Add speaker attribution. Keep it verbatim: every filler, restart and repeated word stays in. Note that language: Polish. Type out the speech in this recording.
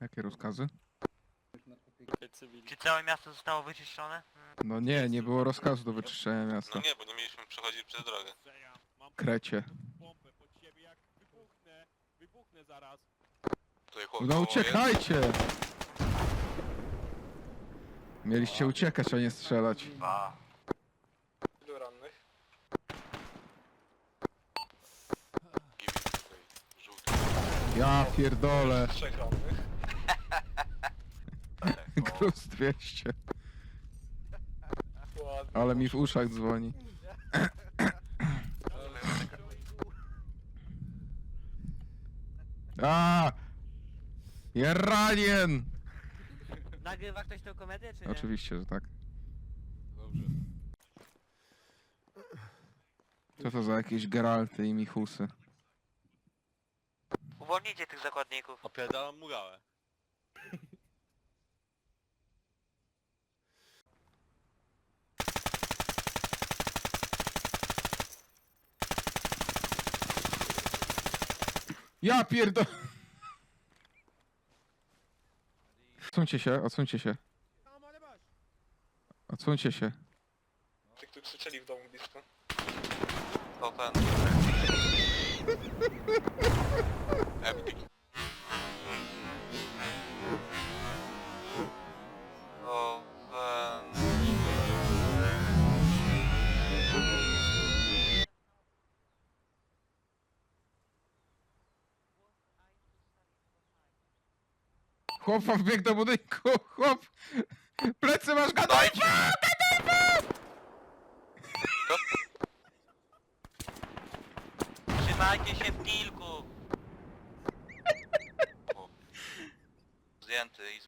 Speaker 1: Jakie rozkazy?
Speaker 2: Czy całe miasto zostało wyczyszczone?
Speaker 1: No nie, nie było rozkazu do wyczyszczenia
Speaker 3: No
Speaker 1: miasta.
Speaker 3: nie, bo nie mieliśmy przechodzić przez drogę.
Speaker 1: Krecie.
Speaker 4: Bombę pod siebie, jak wybuchnę, wybuchnę zaraz.
Speaker 3: Tutaj chłop
Speaker 1: No
Speaker 3: koło
Speaker 1: uciekajcie! Mieliście uciekać, a nie strzelać.
Speaker 2: Dwa.
Speaker 3: jest. Ilu rannych? Gibi tutaj, żółty.
Speaker 1: Ja pierdolę.
Speaker 3: Trzech rannych.
Speaker 1: Gruz dwieście.
Speaker 3: Ładnie.
Speaker 1: Ale mi w uszach dzwoni. A! Jeranien!
Speaker 2: Nagrywa ktoś tę komedię, czy nie?
Speaker 1: Oczywiście, że tak.
Speaker 4: Dobrze.
Speaker 1: Co to za jakieś Geralty i Michusy?
Speaker 2: Uwolnijcie tych zakładników.
Speaker 4: Opierdalam murałę.
Speaker 1: Ja pierdol... Odsuńcie się, odsuńcie się. Odsuńcie się.
Speaker 3: Tych, którzy krzyczeli w domu blisko. Open. Empty. Open.
Speaker 1: Chłopa wbiegł do budynku, chłop! Plecy masz, Gadolfa!
Speaker 2: Trzymajcie się w kilku.
Speaker 3: Zdjęty i